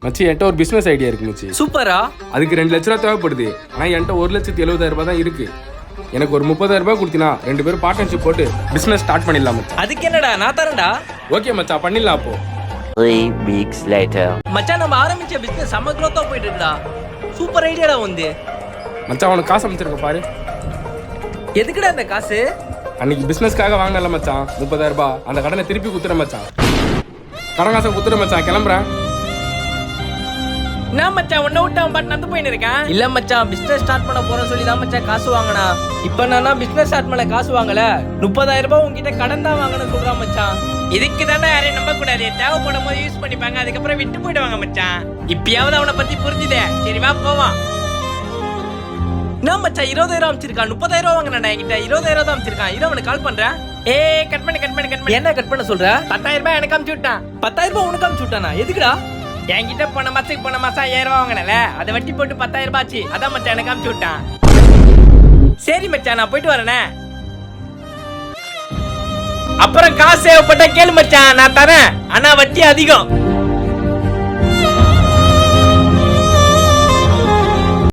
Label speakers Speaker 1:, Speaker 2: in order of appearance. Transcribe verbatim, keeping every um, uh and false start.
Speaker 1: மச்சி என்கிட்ட ஒரு பிசினஸ் ஐடியா இருக்கு மச்சி.
Speaker 2: சூப்பரா.
Speaker 1: அதுக்கு ரெண்டு லட்ச ரூபா தேவைப்படுது. ஆனா என்கிட்ட ஒரு லட்சத்தி எழுபதாயிரம் ரூபாய் தான் இருக்கு. எனக்கு ஒரு முப்பதாயிரம் ரூபாய் கொடுத்தினா ரெண்டு பேரும் பார்ட்னர்ஷிப் போட்டு பிசினஸ் ஸ்டார்ட் பண்ணிடலாம் மச்சி.
Speaker 2: அதுக்கு என்னடா நான் தரேன்டா.
Speaker 1: ஓகே மச்சா, பண்ணிடலாம். அப்போ
Speaker 3: three weeks later.
Speaker 2: மச்சான் நம்ம ஆரம்பிச்ச பிசினஸ் செம்ம க்ரோத்தா போயிட்டு இருக்குடா. சூப்பர் ஐடியாடா வந்து.
Speaker 1: மச்சான் உனக்கு காசு அமைச்சிருக்க பாரு.
Speaker 2: எதுக்குடா இந்த காசு?
Speaker 1: அன்னைக்கு பிசினஸ்க்காக வாங்கினல மச்சான் முப்பதாயிரம் ரூபாய். அந்த கடனை திருப்பி குத்துற மச்சான். கடன் காசை குத்துற மச்சான். கிளம்புறேன்.
Speaker 2: நான் மச்சான் உன்னை விட்டு அவன் பாட்டு நடந்து போயின்னு இருக்கேன். இல்ல மச்சான் பிசினஸ் ஸ்டார்ட் பண்ண போறேன்னு சொல்லி தான் மச்சான் காசு வாங்கினா. இப்ப நான் பிசினஸ் ஸ்டார்ட் பண்ண காசு வாங்கல, முப்பதாயிரம் ரூபாய் உங்ககிட்ட கடன் தான் வாங்கன்னு சொல்றான் மச்சான். இதுக்கு தானே யாரையும் நம்ப கூடாது. தேவைப்படும் போது யூஸ் பண்ணிப்பாங்க, அதுக்கப்புறம் விட்டு போயிடுவாங்க மச்சான். இப்பயாவது அவனை பத்தி புரிஞ்சுதே. சரி வா போவான். நான் மச்சான் இருபதாயிரம் அமைச்சிருக்கான். முப்பதாயிரம் ரூபாய் வாங்கினா என்கிட்ட இருபதாயிரம் தான் அமைச்சிருக்கான். இரு அவனுக்கு கால் பண்றேன். ஏ கட் பண்ணு கட் பண்ணு கட் பண்ணு. என்ன கட் பண்ண சொல்ற? பத்தாயிரம் ரூபாய் எனக்கு அமுச்சு விட்டான். பத்தாயிரம் ரூபாய் உனக்கு அமுச்சு விட்டானா? எதுக்குடா? என்கிட்ட போன மாசத்துக்கு போன மாசம் ஐயாயிரம் ரூபாய் வாங்கினல, அதை வட்டி போட்டு பத்தாயிரம் ரூபாய் ஆச்சு. அதான் மச்சான் எனக்கு அமுச்சு விட்டான். சரி மச்சான் நான் போயிட்டு வரேனே. அப்புறம் காசு தேவைப்பட்டா கேளு மச்சான், நான் தரேன். ஆனா வட்டி அதிகம்.